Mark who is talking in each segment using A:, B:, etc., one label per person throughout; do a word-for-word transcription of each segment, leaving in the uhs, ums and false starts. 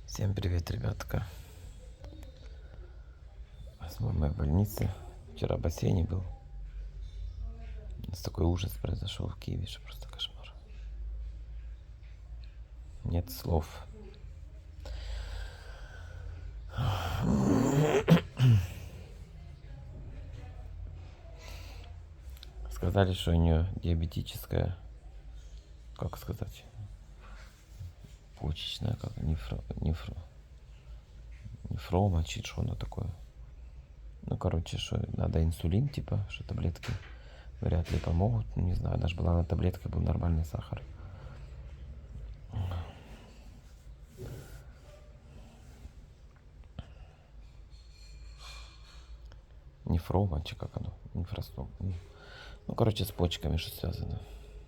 A: Всем привет, ребятка. С мамой в больнице. Вчера в бассейне был. У нас такой ужас произошел в Киеве, что просто кошмар. Нет слов. Сказали, что у нее диабетическая, как сказать, почечная, как нефро, нефро, нефрома, чи что оно такое. Ну, короче, что надо инсулин, типа, что таблетки вряд ли помогут. Ну, не знаю, даже была на таблетках, был нормальный сахар. Нефрома, чи как оно? Нефростом. Ну, короче, с почками что связано.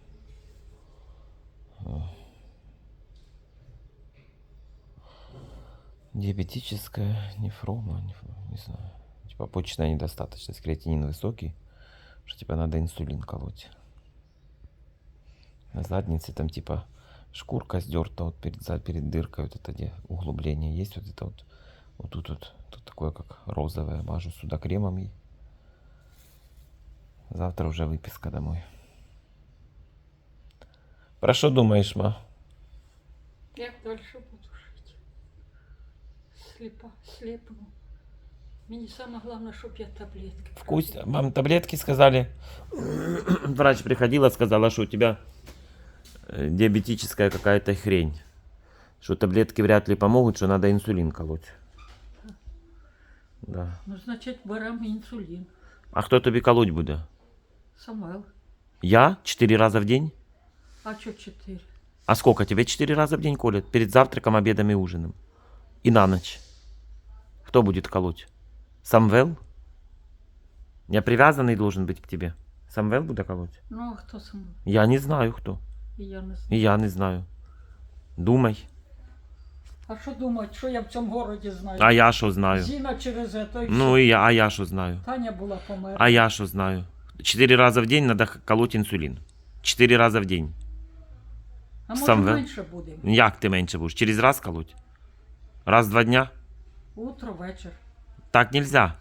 A: Диабетическая нефрома, нефрома, не знаю. Типа почечная недостаточность, креатинин высокий, что типа надо инсулин колоть. На заднице там типа шкурка сдерта вот перед, перед дыркой, вот это где углубление есть, вот это вот, вот тут вот, тут такое как розовое, мажу сюда кремом и завтра уже выписка домой. Про что думаешь, ма?
B: Як дальше буду жити? Сліпа, сліпну. Мені саме головне, щоб я таблетки.
A: Вкус... Мам, таблетки сказали. Врач приходила, сказала, что у тебя диабетическая какая-то хрень. Что таблетки вряд ли помогут, что надо инсулин колоть. Да.
B: Ну, значить, беремо інсулін.
A: А кто тобі колоть буде?
B: Самвел.
A: Я? Четыре раза в день?
B: А що чотири?
A: А сколько тебе четыре раза в день колят? Перед завтраком, обедом и ужином. И на ночь. Кто будет колоть? Самвел? Я привязанный должен быть к тебе. Самвел будет колоть?
B: Ну, а хто Самвел?
A: Я не знаю, кто.
B: І я не
A: И
B: знаю.
A: я не знаю. Думай.
B: А що думають, що я в цьому городі знаю?
A: А я что знаю?
B: Зіна через це, і
A: Ну
B: все.
A: и я, а я что знаю?
B: Таня була померла.
A: А я что знаю? Четыре раза в день надо колоть инсулин. Четыре раза в день.
B: А може
A: Самвел?
B: менше буде?
A: Як ти меньше будешь? Через раз колоть? Раз в два дня?
B: Утро, вечір.
A: Так нельзя.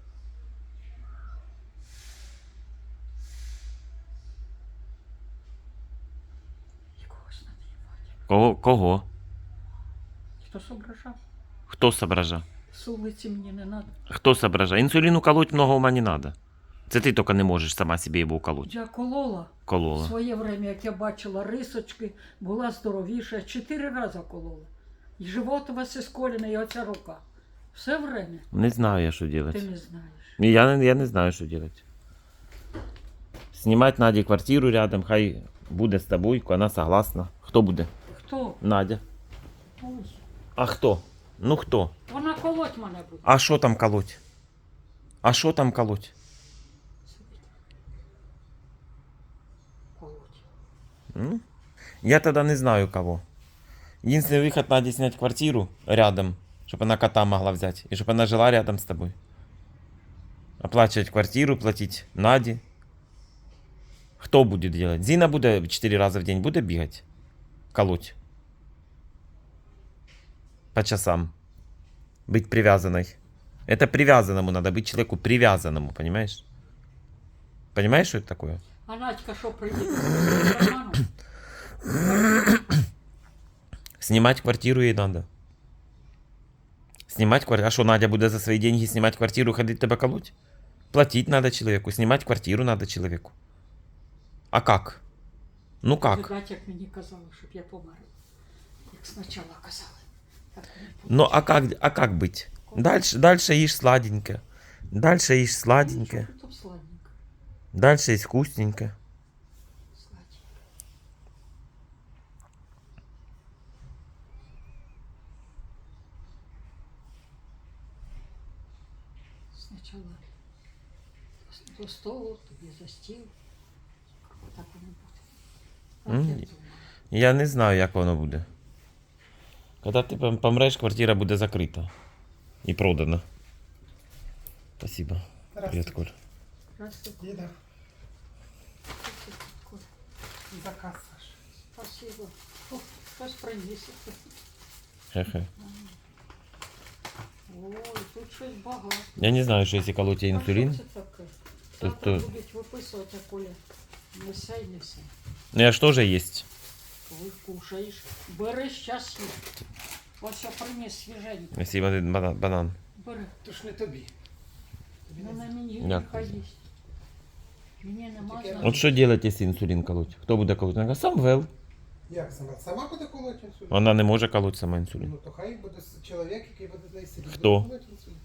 B: Якогось надіювати.
A: Кого? Кого?
B: Хто зображав?
A: Хто сообража?
B: З вулиці мені не треба.
A: Хто сообража? Інсуліну колоть много ума не надо. Це ти тільки не можеш сама собі його колоть.
B: Я колола.
A: Колола.
B: В своє время, як я бачила рисочки, була здоровіша, чотири рази колола. І живот у вас ісколений, і оця рука. Все время.
A: Не знаю я, що
B: Ти
A: робити.
B: не знаєш.
A: Я, не- я не знаю, що робити. Знімати Наді квартиру рядом, хай буде з тобою, вона согласна. Хто буде?
B: Хто?
A: Надя.
B: Ой.
A: А хто? Ну хто?
B: Вона колоть мене буде.
A: А що там колоть? А що там колоть?
B: Колоть.
A: М? Я тогда не знаю кого. Единственный выход, Наде снять квартиру рядом, чтобы она кота могла взять, и чтобы она жила рядом с тобой. Оплачивать квартиру, платить Наде. Кто будет делать? Зина будет четыре раза в день будет бегать? Колоть? По часам. Быть привязанной. Это привязанному надо быть человеку привязанному, понимаешь? Понимаешь, что это такое?
B: А Надька що приїде?
A: Снимать квартиру ей надо. Снимать квартиру. А что, Надя будет за свои деньги снимать квартиру и ходить тебя колоть? Платить надо человеку, снимать квартиру надо человеку. А как? Ну как?
B: Видать, як мені казали, щоб я померла. Як спочатку казали. Так не буде.
A: Ну а как, а как быть? Дальше, дальше ешь сладенько. Дальше ешь сладенько.
B: Нічого, тут сладенько.
A: Дальше есть вкусненько.
B: Сладенько. Спочатку до столу, тобі за стіл. Так воно буде. Так
A: М,
B: я думаю.
A: Я не знаю, як воно буде. Когда ти пом- помреш, квартира буде закрита. І продана. Спасибо. Привет, Коль.
B: Здравствуйте.
C: Деда,
B: Коля.
C: заказ, Саш.
B: Спасибо. О, хтось приніс.
A: Хе-хе.
B: Ага. тут щось багато.
A: Я не знаю, що якщо колоть
B: А
A: інсулін.
B: що це таке?
A: То-
B: Завтра
A: то-
B: будуть виписувати, а Коля. Несе й несе.
A: Ну я ж теж єсть.
B: Коли кушаєш, бери щас їх. Ось я приніс свіженько.
A: Якщо один бана- банан.
B: Бери.
C: То ж не тобі. Тобі
B: Ну
C: не
B: на мені
A: Дякую.
B: нехай їсть. Мені нема
C: Тільки-
B: за
A: От що робити, якщо інсулін колоть? Хто буде колоть? Вона каже, сам вел.
C: Як сама? Сама буде колоть інсулін?
A: Вона не може колоть сама інсулін.
C: Ну то хай буде с- чоловік, який буде з нею сидіти.
A: Хто?
C: буде колоть інсулін.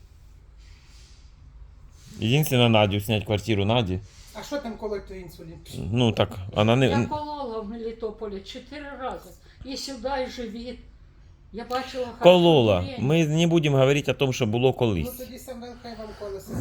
A: Єдине, Надю снять квартиру Наді.
C: А що там колоть той інсулін?
A: Ну так, вона
B: Я
A: не.
B: колола в Мелітополі чотири рази. І сюди, і живіт. Я бачила хороше
A: Колола.
B: зріння.
A: Ми не будемо говорити о том, що було
C: Ну
A: колись.
C: тоді Самвел хай вам колесо.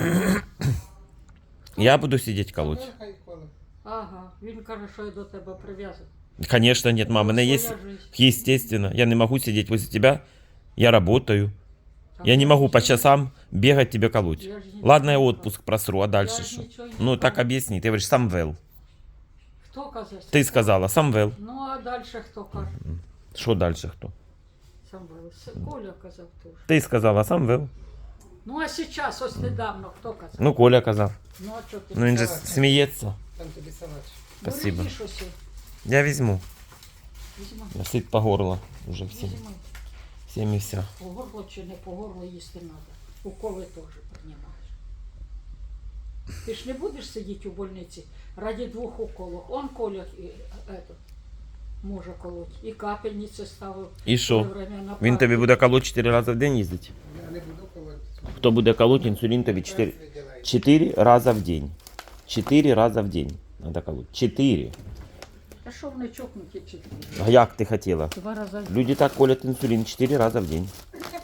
A: Я буду сидіти колоть.
C: Самвел хай коле.
B: Ага, він каже, що я до тебе прив'язаний.
A: Конечно, нет, мама, мене є,
B: Своя жизнь.
A: естественно. Я не могу сидеть возле тебя. Я работаю.
B: Там
A: Я не могу по
B: нічого-
A: часам бегать тебе колоть.
B: Я ж нічого
A: Ладно, я
B: не
A: отпуск просру, а дальше
B: Я ж
A: что?
B: нічого не
A: Ну так
B: кажу.
A: объясни. Ты говоришь, Самвел.
B: Хто казав?
A: Ты сказала, Самвел.
B: Ну, а далі хто каже?
A: Что дальше кто?
B: Сам С- Коля казав теж.
A: Ти сказала, Самвел.
B: Ну, а зараз, ось недавно, хто казав?
A: Ну, Коля казав.
B: Ну, а що ти?
A: Ну він же
C: Салат.
A: сміється.
C: Там тобі салат.
A: спасибо.
B: Бери щось,
A: Я візьму.
B: візьми,
A: Я сит по горло уже всем.
B: візьми.
A: Всем и вся.
B: По горло чи не по горло їсти треба. Уколи теж приймаєш. Ти ж не будеш сидіти у больниці раді двох уколів. Он Коля і, этот, може колоть. І капельниці ставив.
A: І що?
B: Все время на
A: Він тобі
B: палець.
A: буде колоть чотири рази в день їздити?
C: Я не буду колоть.
A: Хто буде колоть, інсулін тобі чотири чотири рази в день. чотири рази в день надо колоть. чотири.
B: Та що вони чокнуті чи ти?
A: А як ти хотіла?
B: Два рази. в
A: Люди так колят інсулін чотири рази в день.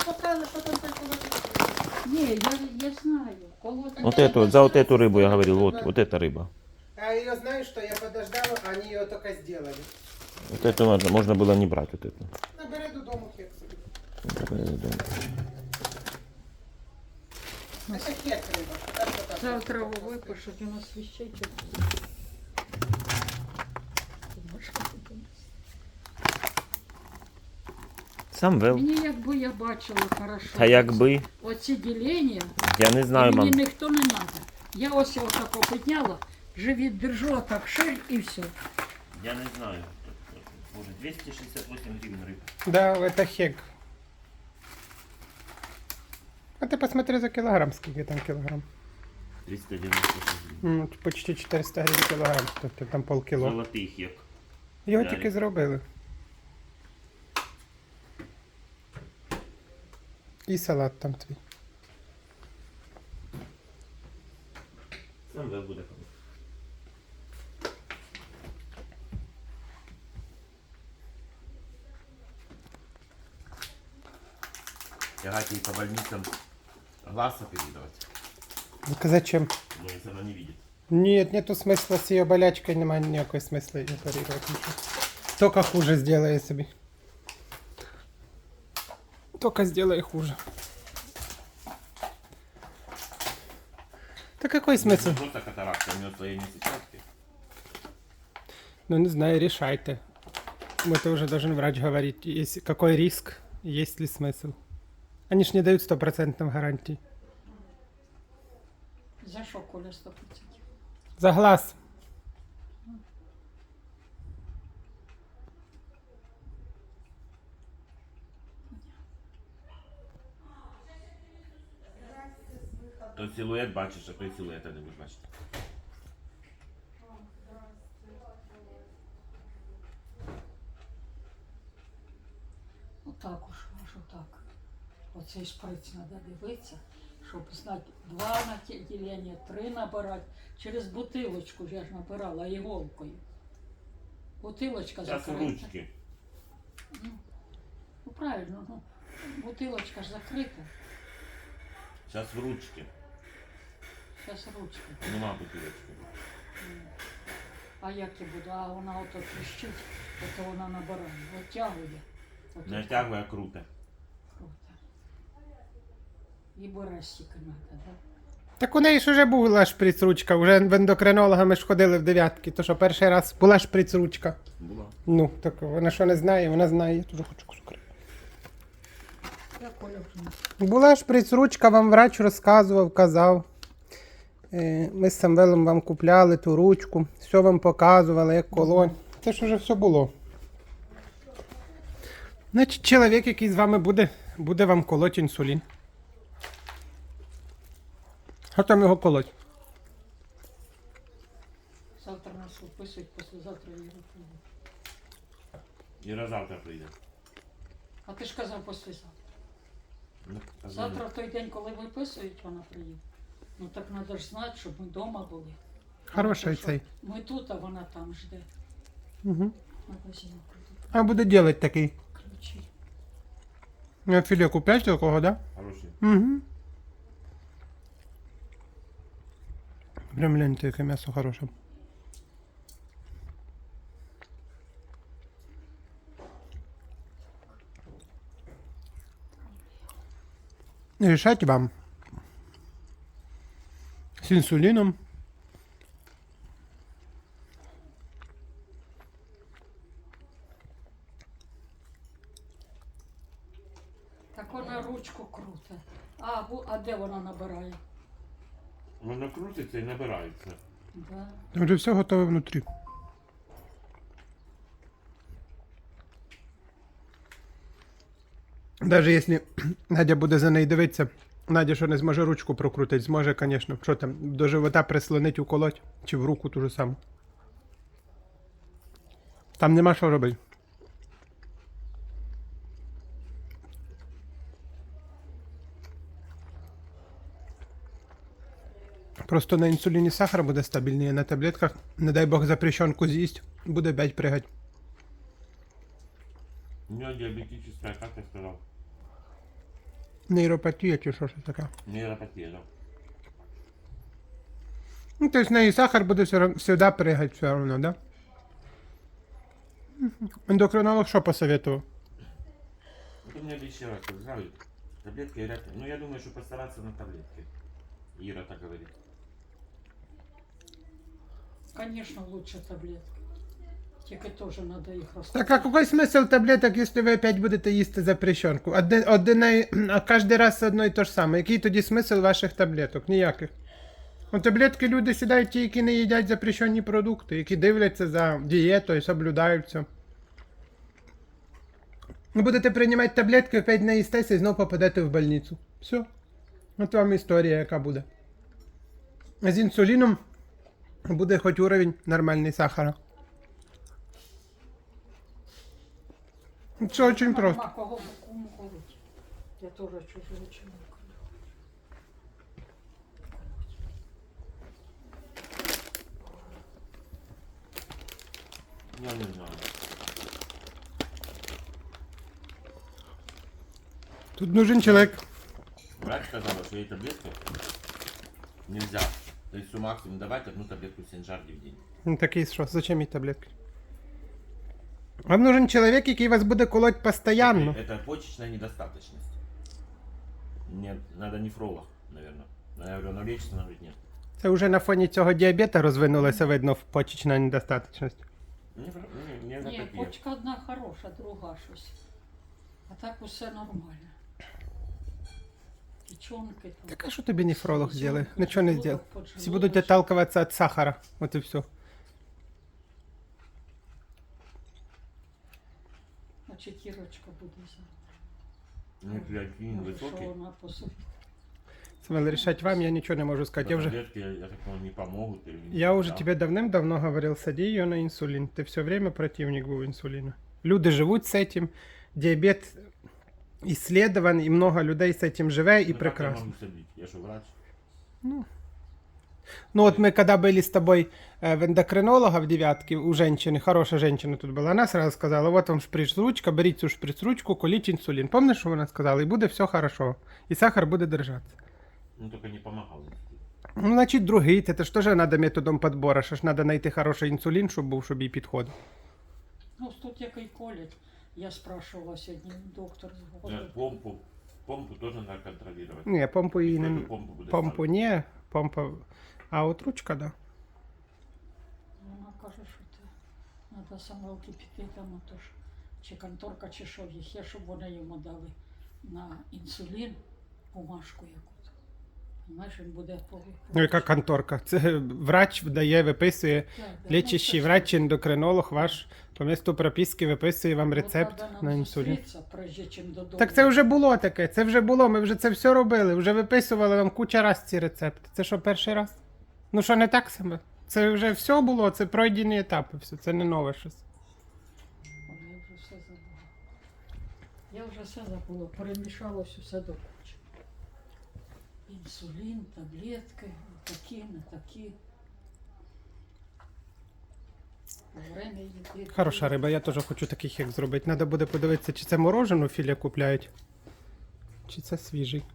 B: Ні, я, я знаю. Колоть.
A: Вот эту, за вот эту рыбу я говорил, вот, вот эта рыба.
C: А ее знаешь, что я подождала, а они ее только сделали.
A: Вот эту можно, можно было не брать, вот эту.
C: Набери додому хек собі. Це хек риба. Так, що так.
B: Завтра випишуть у нас вещей.
A: Самвел.
B: Мені якби я бачила хорошо.
A: Та якби,
B: Оці ділення,
A: я не знаю,
B: мені
A: мам.
B: ніхто не треба. Я ось його тако підняла, живіт держу, а так шир і все.
A: Я не знаю. Боже, двести шестьдесят восемь гривен рыба.
C: Да, это хек. А ты посмотри за килограмм, сколько там килограмм.
A: триста девяносто гривен.
C: Ну, почти чотириста гривень кілограм, тобто там полкіло.
A: Золотий хек.
C: Його
A: Далі.
C: тільки зробили. І салат там твій.
A: Самвел буде колоть. Тягать ей по больницам глаз оперировать.
C: Ну, зачем?
A: Но если она не видит.
C: Нет, нету смысла с ее болячкой, немає ніякого смисла її оперувати. нічого. Только хуже сделає собі. Только сделай хуже. Да какой смысл?
A: Не просто катаракта, у нее слоение сетчатки.
C: Ну не знаю, решайте. Это уже должен врач говорить, есть, какой риск, есть ли смысл. Они ж не дают стопроцентной гарантии.
B: За що Коля сто процентів?
C: За глаз.
A: То силует бачиш, а той силуета не будеш бачити.
B: Отак уж, аж отак. Оцей шприц треба дивитися, щоб знати, два на ті- ділення, три набирати. Через бутилочку ж я ж набирала іголкою. Бутилочка
A: Зараз
B: закрита.
A: ручки.
B: Ну правильно, ну. Бутилочка ж закрита.
A: Зараз в ручки.
B: Зараз ручка.
A: Нема бутилочки.
B: А як я буду? А вона ото тріщить, ото вона набирає. Оттягує. Ото
A: Не тягує, а круте.
B: круто. І бере стільки треба, так?
C: Так у неї ж уже була шприц-ручка, уже в ендокринолога ми ж ходили в дев'ятки, то що перший раз була шприц-ручка.
A: Була.
C: Ну, так вона що не знає, вона знає, я теж хочу кусок риби.
B: Я Коля вже не
C: Була шприц-ручка, вам врач розказував, казав. Е, Ми з Самвелом вам купляли ту ручку, все вам показували, як колонь. Це ж вже все було. Значить, чоловік, який з вами буде, буде вам колоть інсулін. Що там його колоть?
B: завтра нас виписують, післязавтра Іра прийде.
A: Іра завтра прийде.
B: А ти ж казав післязавтра.
A: Ну,
B: Завтра в той день, коли виписують, вона приїде. Ну так треба ж знати, щоб ми вдома були.
C: Хороший
B: Тому що
C: цей.
B: Ми тут, а вона там жде.
C: Угу.
B: Магазин прийде.
C: А буде делать такий.
B: Ключі.
C: Я філе купляєш такого, да?
A: Хороший.
C: Угу. Прям гляньте, яке м'ясо хороше. Решать вам. С инсулином.
B: Так вона ручку круте. А, бу- а де вона набирає?
A: Воно крутиться і набирається.
B: Да.
C: Там вже все готове внутрі. Даже якщо Надя буде за нею дивитися, Надя що не зможе ручку прокрутити, зможе, звісно. Що там, до живота прислонить, уколоть, чи в руку ту же саму. Там нема що робити. Просто на інсуліні сахар буде стабільний, а на таблетках, не дай Бог, запрещенку з'їсть, буде опять пригать.
A: У нього діабетична, як я сказав?
C: Нейропатія чи що ж таке.
A: Нейропатія, да.
C: Ну, то есть в неї сахар буде все рав- всегда пригать все равно, да? Мгм. Ендокринолог що посоветував?
A: Вот у меня еще раз сказали, таблетки говорят, ну я думаю, что постараться на таблетки. Ира так говорит.
B: Конечно, лучше таблетки. Тільки теж треба їх
C: Так
B: розкладати.
C: а какой смысл таблеток, если ви опять будете їсти запрещенку? Одне, одне, а кожен раз одно і то ж саме. Який тоді смисл ваших таблеток? Ніяких. У таблетки люди сідають ті, які не їдять запрещені продукти, які дивляться за дієтою, соблюдають все. Ви будете приймати таблетки, опять наїстеся і знову попадете в больницю. Все. От вам історія, яка буде. А з інсуліном буде хоч уровень нормальний сахара. Все очень просто.
B: Нема кого кому колоть. Я теж чужого чоловіка.
A: Я не знаю.
C: Тут нужен человек.
A: Врач сказала, что ей таблетки нельзя. То есть максимум давать одну таблетку синжарди в день.
C: Ну, такий що, зачем їй таблетки? Вам нужен чоловік, який вас буде колоть постоянно.
A: Это почечная недостаточность. Мне надо нефролог, наверное. Я говорю, оно лечится, она говорит, нет.
C: Це вже на фоні цього діабета розвинулася, видно, почечна недостаточність.
A: Нефро... не, не
B: Ні,
A: такие.
B: почка одна хороша, друга щось. А так усе нормально. Печенки там.
C: Так а що тобі нефролог
B: Всё,
C: зробить? Нічого не
B: поджелудок,
C: зробить. Всі
B: поджелудочок.
C: будуть отталкиватися від сахара. От і все.
B: Значить, Ірочка буде за.
A: У меня креатинин
B: Може, що
A: высокий.
B: вона посудить.
C: Самвел, рішать вам, я нічого не можу сказати. Я вже,
A: Таблетки, я, я так понимаю, не помогут. Или не
C: я уже
A: да?
C: тебе давним-давно говорил, сади ее на инсулин. Ты все время противник был инсулина. Люди живут с этим. Диабет исследован, и много людей с этим живе, и
A: Ну, как я
C: прекрасно.
A: могу садить? Я что, врач?
C: Ну вот мы когда были с тобой э, в эндокринолога в девятке, у женщины, хорошая женщина тут была, она сразу сказала, вот вам шприц-ручка, берите цю шприц-ручку, коліть інсулін. Помниш, що вона сказала? І буде все хорошо. І сахар буде держатися.
A: Ну, только не помогал.
C: Ну, значить, другий, це ж теж треба методом підбору, що ж треба знайти хороший інсулін, щоб був, щоб їй підходив.
B: Ну, тут який колять. Я спрашивала сьогодні доктор з
A: Да,
B: голови.
A: помпу, помпу тоже надо контролировать.
C: Ні, помпу їй не...
A: Какую помпу буде
C: Помпу
A: ставити?
C: ні, помпа... А от ручка, да.
B: Вона каже, що це треба самовки піти там, отож, чи конторка, чи що їх є, щоб вони йому дали на інсулін бумажку якусь. Знаєш, він буде по...
C: Ну, яка конторка? Це врач дає, виписує,
B: Так, да.
C: лічащий
B: Ну, це
C: врач,
B: ж-
C: ендокринолог ваш по місту прописки виписує вам
B: От
C: рецепт
B: треба нам
C: на інсулін.
B: зустрітися, прежде чим додому.
C: Так це вже було таке, це вже було, ми вже це все робили, вже виписували вам куча раз ці рецепти. Це що, перший раз? Ну що, не так саме? Це вже все було, це пройдені етапи, все, це не нове щось.
B: Ой, я вже все забула. Я вже все забула, перемішалось усе до кучі. Інсулін, таблетки, такі, не такі. Время їди.
C: Хороша риба, я теж хочу таких як зробити. Треба буде подивитися, чи це морожену філе купляють, чи це свіжий.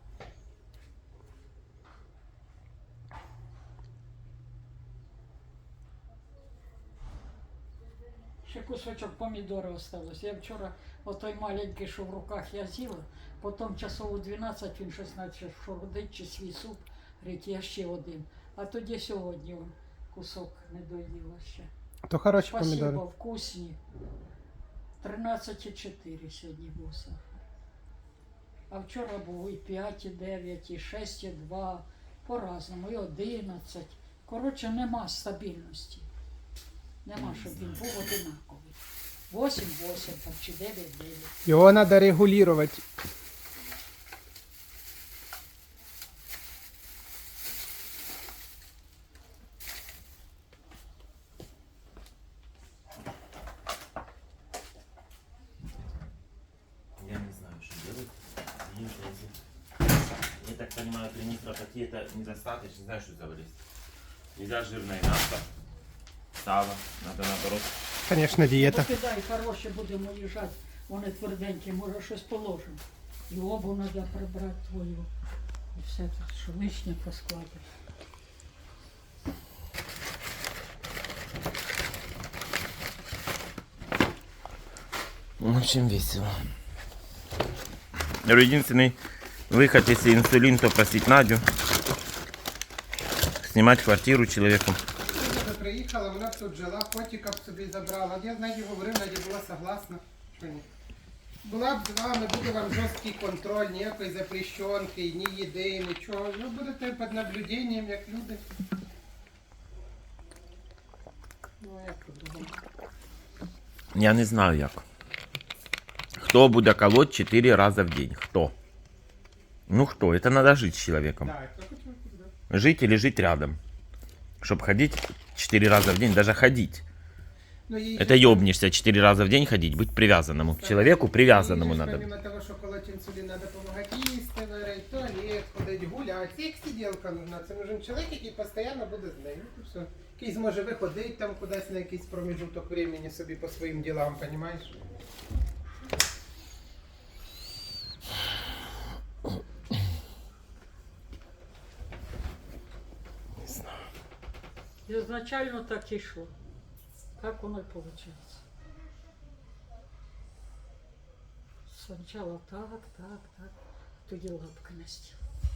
B: Ще кусочок помідори осталось. Я вчора отой маленький, що в руках я з'їла, потім часов у дванадцять він щось почав шородить, чи свій суп, говорить, я ще один. А тоді сьогодні он кусок не доїла ще.
C: То хороші
B: Спасибо,
C: помідори.
B: вкусні. тринадцять і чотири сьогодні був сахар. А вчора був і п'ять, і дев'ять, і шість, і два, по-разному, і одинадцять. Коротше, нема стабільності. Нема, щоб він був одинаковий. вісім вісім там, чи дев'ять дев'ять.
C: Його треба регулювати.
A: Я не знаю, что делать. Я так понимаю, при нейропатии это недостаточно. Не знаю, что завалить. Нельзя жирное мясо, сало. Надо наоборот.
C: Звісно, дієта.
B: Покидай, хороше, будемо їжджати. Вони тверденькі, може щось положимо. І обу треба прибрати твою. І все тут, що лишнє поскладати.
A: В общем, весело. Единственный выход, если инсулин, то просить Надю. Снимать квартиру человеку.
C: Вона приїхала, вона б тут жила, котика б собі забрала. От я з Наді говорив, Надя була согласна. Що ні? Була б з вами, буде вам жорсткий контроль, ніякої запрещенки, ні їди, нічого. Ви будете під наблюденням, як люди.
B: Ну, як тут думаю.
A: Я не знаю як. Хто буде колоть четыре раза в день? Кто? Ну кто? Это надо жить с человеком.
C: Так, хто хоче, да.
A: Жить или жить рядом. Чтобы ходить четыре раза в день, даже ходить.
C: Ну, їй
A: Это
C: же-
A: ёбнешься четыре раза в день ходить, быть привязанному к человеку, привязанному
C: їй же ж
A: надо.
C: Помимо того, що колоть інсулін, треба допомагати їсти, варити, в туалет, ходити, гуляти. Це як сиділка нужна. Це нужен чоловік, який постійно буде з нею. Ну, все. Який зможе виходити там кудись на якийсь проміжуток времени собі по своїм ділам, розумієш?
B: Ізначально так і йшло. Так воно і вийшло. Спочатку так, так, так. Тоді лапки на стіл.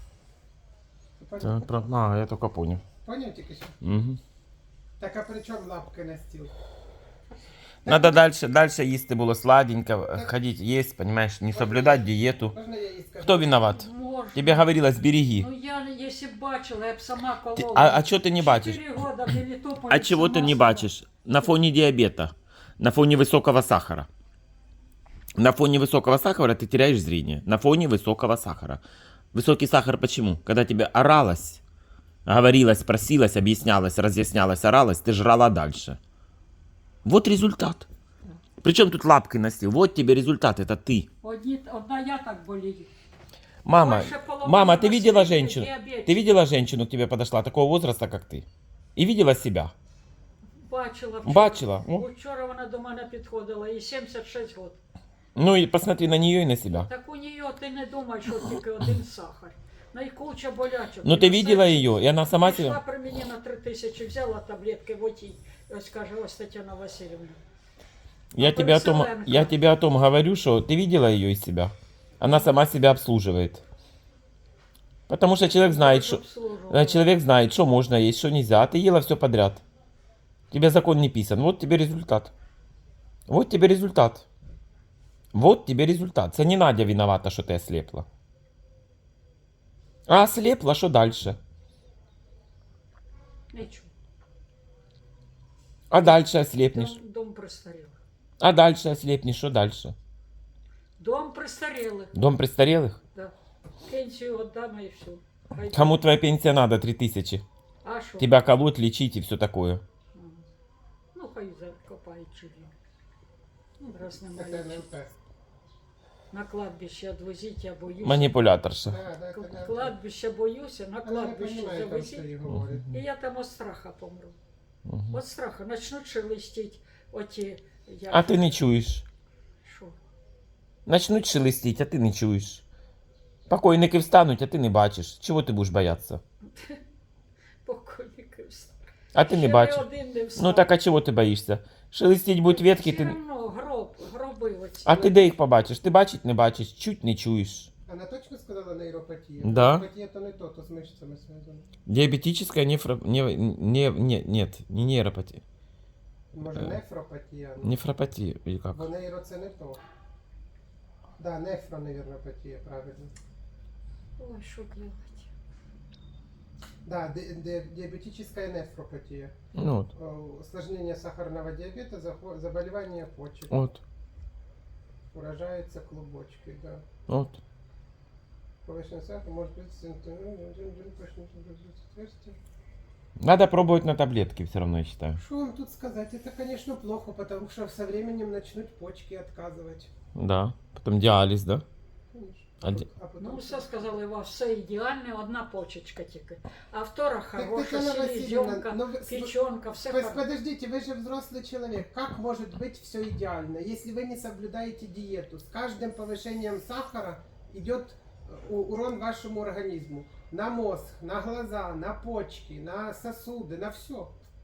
C: Поняв?
A: А, я только понял.
C: Поняв тільки що?
A: Угу.
C: Так а при чому лапки на стіл?
A: Надо дальше, дальше їсти було сладенько, ходить есть, понимаешь, не соблюдать диету.
C: Можна я їй скажу?
A: Кто виноват?
B: Можна.
A: Тебе говорилось, береги.
B: Ну я, якщо б бачила, я б сама колола.
A: Ти- а- а чого ти не бачиш?
B: Чотири года в Мелітополі
A: А чего ты
B: сама
A: не
B: сама.
A: бачишь? На фоне диабета, на фоне высокого сахара. На фоне высокого сахара ты теряешь зрение. На фоне высокого сахара. Высокий сахар почему? Когда тебе оралось, говорилось, просилось, объяснялось, разъяснялось, оралось, ты жрала дальше. Вот результат. Причем тут лапкой на стил. Вот тебе результат, это ты.
B: Одні, одна я так болію.
A: Мама,
B: Больше половины
A: мама, ты видела
B: населения
A: женщину?
B: диабетик.
A: Ты видела женщину к тебе подошла такого возраста, как ты? И видела себя?
B: Бачила вчора.
A: Бачила? Ну.
B: Вчора вона до мене підходила, їй сімдесят шість років.
A: Ну и посмотри на нее и на себя.
B: Так у нее ти не думай, що тільки один сахар. Найкуча болячок.
A: Ну ты
B: І
A: видела
B: все.
A: ее, и она сама
B: Пішла
A: себя...
B: при мені на три тисячі, взяла таблетки, вот їй, ось каже, ось Тетяна Васильівна.
A: Я
B: А
A: тебе, о том,
B: Переселенка.
A: я тебе о том говорю, что ты видела ее из себя. Она сама себя обслуживает. Потому что человек знает, что...
B: Обслуживала.
A: э, Человек знает, что можно есть, что нельзя. А ты ела все подряд. Тебе закон не писан. Вот тебе результат. Вот тебе результат. Вот тебе результат. Це не Надя виновата, що ти ослепла. А ослепла, що дальше?
B: Нічого.
A: А дальше ослепнешь.
B: Дом, дом престарілих.
A: А дальше ослепнешь, что дальше?
B: Дом престарілих.
A: Дом престарелых?
B: Да. Пенсію віддам і все. Хай-
A: Кому твоя пенсия надо? Три тысячи.
B: А що?
A: Тебя колоть, лечить и все такое.
B: Ну, хай закопають чужі. Ну, раз
C: Це
B: немає.
C: КНП.
B: На кладбище відвезіть, я боюся.
A: Манипуляторша.
C: Да, да,
B: К-
C: КНП.
B: Кладбище боюся, на
C: Вона не
B: кладбище
C: розуміє, там, що
B: завезіть.
C: їй говорять.
B: І я там від страха помру.
A: Мгм.
B: От страха. Начнуть шелестіть оті... Я...
A: А ти не чуєш.
B: Що?
A: Начнуть шелестить, а ти не чуєш. Покойники встануть, а ти не бачиш. Чого ти будеш боятися?
B: Покойники встали.
A: А ти не
B: Ще
A: бачиш.
B: ні один не встав.
A: Ну так а чого ти боїшся? Шелестіть будуть ветки,
B: Все
A: ти...
B: равно гроб, гроби оці.
A: А ти де їх побачиш? Ти бачить не бачиш, чуть не чуєш.
C: Вона точно сказала нейропатія?
A: Да.
C: Нейропатія то не то, то з мишцями зв'язано.
A: Диабетическая нефро... Не, не, не, нет, не нейропатия.
C: Може,
A: Е.
C: нефропатія? ну.
A: Нефропатия или как?
C: Бо нейро це не то. Да, нефроневропатія, правильно.
B: Ой, що делать?
C: Да, ди- ди- диабетическая нефропатия.
A: Ну вот,
C: О, Осложнение сахарного диабета, захво- заболевание почек.
A: вот,
C: Поражаются клубочки, да.
A: вот.
C: Повышенный сахар может быть симптомом отверстия.
A: Надо пробовать на таблетки все равно, я считаю.
C: Что вам тут сказать? Это, конечно, плохо, потому что со временем начнут почки отказывать.
A: Да. Потом диализ, да?
C: Конечно.
A: А ди-
C: А потом...
B: Ну, все сказали, у вас все ідеальне, одна почечка тільки. А втора хороша,
C: Тетяна Васильевна,
B: селезенка,
C: ну вы-
B: печенка, все
C: Пос-
B: хорошо.
C: Подождите, вы же взрослый человек. Как может быть все идеально, если вы не соблюдаете диету? С каждым повышением сахара идет э, у- урон вашему организму. На мозг, на глаза, на почки, на сосуды, на все.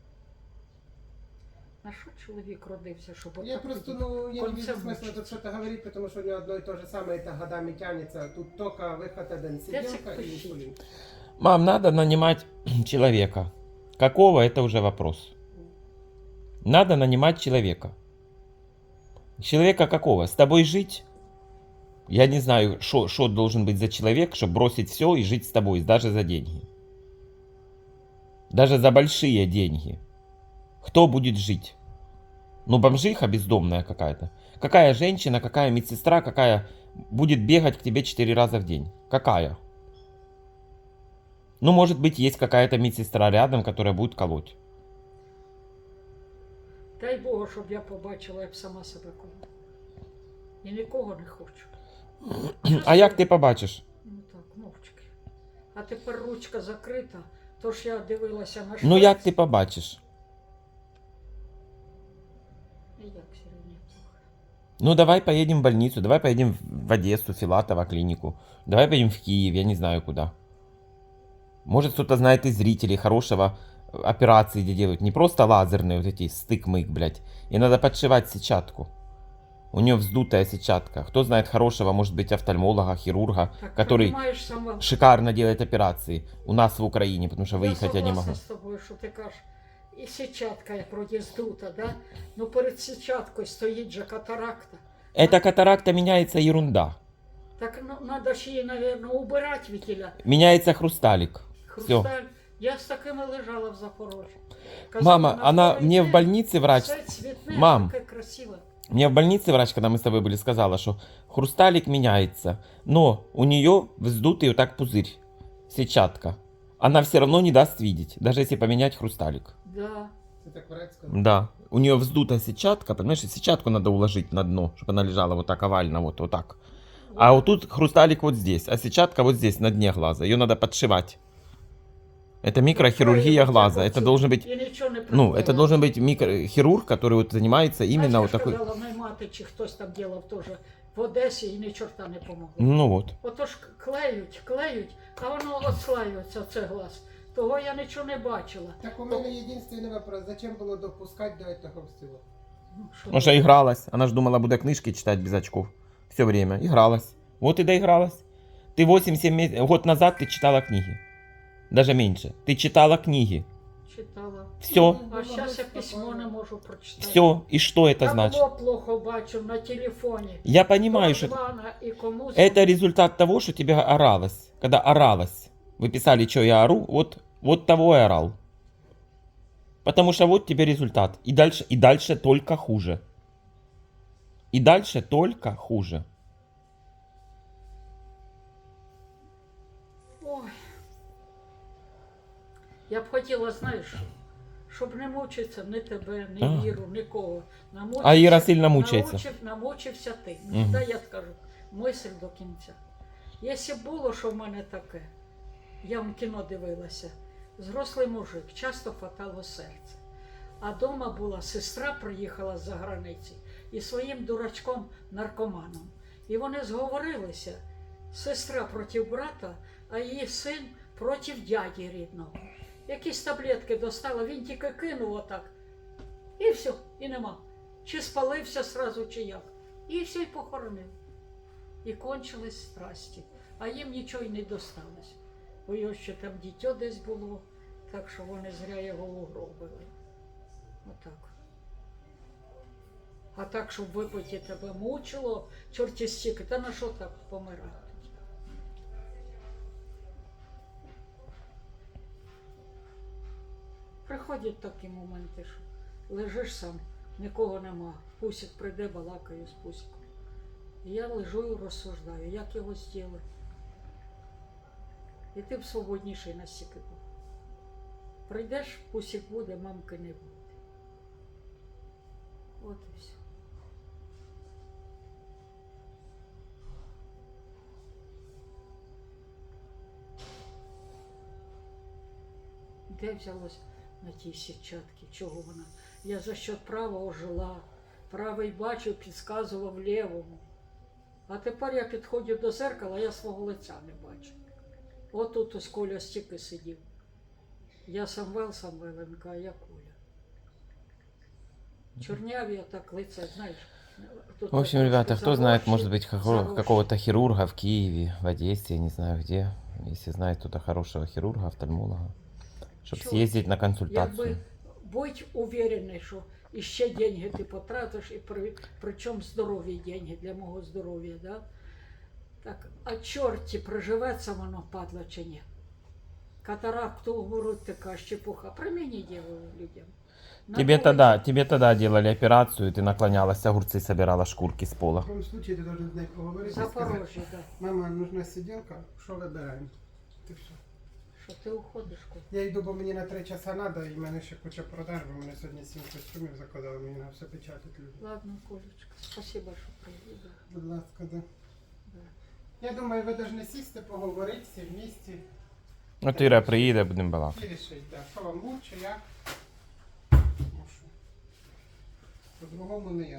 B: А що чоловік родився, щоб
C: Я
B: отак
C: просто,
B: тоді?
C: ну, я не вижу
B: концерт
C: смысла
B: мучить.
C: тут что-то говорить, потому что у него одно и то же самое, это годами тянется. Тут только выход один, сиделка и
B: пишите.
C: инсулин.
A: Мам, надо нанимать человека. Какого, это уже вопрос. Надо нанимать человека. Человека какого? С тобой жить? Я не знаю, что должен быть за человек, чтобы бросить все и жить с тобой, даже за деньги. Даже за большие деньги. Кто будет жить? Ну, бомжиха бездомная какая-то. Какая женщина, какая медсестра, какая будет бегать к тебе четыре раза в день? Какая? Ну, может быть, есть какая-то медсестра рядом, которая будет колоть.
B: Дай Богу, щоб я побачила, як сама себе коло. І нікого не хочу.
A: А як ти побачиш?
B: Ну так, мовчки. А тепер ручка закрита, тож я дивилася на
A: Ну, як ти побачиш?
B: І як сьогодні плохо.
A: Ну, давай поедем в больницу, давай поедем в Одессу, Филатова клинику. Давай поедем в Киев, я не знаю куда. Может, кто-то знает из зрителей хорошего э, операции, где делают не просто лазерные вот эти стык-мык, блядь. И надо подшивать сетчатку. У нее вздутая сетчатка. Кто знает хорошего, может быть, офтальмолога, хирурга,
B: Так,
A: который
B: понимаешь, сама...
A: шикарно делает операции у нас в Украине, потому что выехать я не могу.
B: согласна з тобою, що ти кажеш, і сітчатка як вроді здута, да? Ну перед сітчаткою стоїть же катаракта.
A: Эта катаракта меняется ерунда.
B: Так ну, надо ж її, мабуть, убирати вітіля.
A: Меняется хрусталик. Все.
B: Хрусталь. Я з такими лежала в Запорожжі.
A: Мама,
B: на
A: она
B: второй
A: мне в
B: день
A: больнице врач...
B: все цвітне,
A: Мам.
B: таке красиве.
A: Мне в больнице врач, когда мы с тобой были, сказала, что хрусталик меняется, но у нее вздутый вот так пузырь, сетчатка. Она все равно не даст видеть, даже если поменять хрусталик.
B: Да.
C: Ты так врач сказал?
A: Да. У нее вздутая сетчатка, понимаешь, и сетчатку надо уложить на дно, чтобы она лежала вот так овально, вот, вот так. А вот тут хрусталик вот здесь, а сетчатка вот здесь, на дне глаза. Ее надо подшивать. Это микрохирургия глаза. Это должен быть,
B: І нічого не
A: ну, это
B: прибирала.
A: должен быть микрохирург, который вот занимается именно
B: Знаєш,
A: вот
B: я
A: такой.
B: сказала, моїй мати, чи хтось там ділав теж в Одесі і ні чорта не помогло.
A: Ну вот.
B: Отож клеють, клеють, а воно отслаюється, це глаз. Того я нічого не бачила.
C: Так у меня единственный вопрос. Зачем было допускать до этого всего?
B: Ну, що
A: Потому что игралась. Она же думала, буду книжки читать без очков. Все время. Игралась. Вот и доигралась. Ты восемь-семь месяцев... Год назад ты читала книги. Даже меньше. Ты читала книги.
B: Читала.
A: Все,
B: А зараз я письмо не можу прочитати.
A: все. И что это
B: Я
A: значит?
B: було плохо бачу на телефоні.
A: Я понимаю, что
B: Івана і комусь.
A: это результат того, что тебя оралось. Когда оралось. Вы писали, что я ору, вот, вот того и орал. Потому что вот тебе результат. И дальше, и дальше только хуже. И дальше только хуже.
B: Ой. Я б хотіла, знаєш, щоб не мучитися ні тебе, ні
A: А.
B: Віру, нікого. Намучився-
A: А Іра сильно мучається.
B: намучив- намучився ти.
A: Мгм.
B: Та я скажу, мисль до кінця. Якщо б було, що в мене таке, я в кіно дивилася, зрослий мужик, часто хватало серце. А дома була сестра, приїхала з-за границі, і своїм дурачком наркоманом. І вони зговорилися, сестра проти брата, а її син проти дяді рідного. Якісь таблетки достала, він тільки кинув отак. І все, і нема. Чи спалився сразу, чи як. І все, і похоронив. І кончились страсті. А їм нічого й не досталось. Бо його ще там дитя десь було, так що вони зря його угробили. Отак. А так, щоб випити тебе мучило, чорті стільки, та на що так помирати? Приходять такі моменти, що лежиш сам, нікого нема. Пусік прийде, балакає з Пусіком. І я лежу і розсуждаю, як його зробити. І ти б свободніший настільки був. Прийдеш, Пусік буде, мамки не буде. От і все. Де взялось на тій сітчатці? Чого вона? Я за счет правого жила. Правий бачив, підказував лівому. А тепер я підходжу до зеркала, я свого лиця не бачу. От тут ось Коля стільки сидів. Я Самвел Самвеленко, а я Коля. Чорняві так лице, знаєш. Тут
A: В общем,
B: трошки
A: ребята, кто знает,
B: заросші,
A: может быть, какого-
B: заросші.
A: какого-то хирурга в Киеве, в Одессе, я не знаю где. Если знает кто-то хорошего хирурга, офтальмолога, чтобы
B: Чё?
A: съездить на
B: Якби
A: консультацию.
B: будь уверений, що іще деньги ти потратиш, і при, причому здорові деньги для мого здоров'я, да? Так, а чорті приживеться воно, падла чи ні? Катаракту в грудь така щепуха. При мені ділили людям. На
A: Тебе
B: вулиці.
A: тогда, тебе тогда делали операцию, ты наклонялась, огурцы собирала, шкурки с пола.
C: В такому случае ти должен з нею поговорити і сказати,
B: Запорожжя, да.
C: мама, нужна сиділка, що вибираємо? Ти все.
B: Що ти уходиш, Коль?
C: Я йду, бо мені на три часа треба, і в мене ще куча продаж, бо мене сьогодні сім костюмів заказали, мені на все печатати люди.
B: Ладно, Колечка, спасибо, що приїхав.
C: Будь ласка, да.
B: Да.
C: Я думаю, ви повинні сісти, поговорити всі в місті.
A: Вот Ира приедет, будем балакать.
C: І рішити, да, що вам лучше, як. Ну, що. По-другому не я.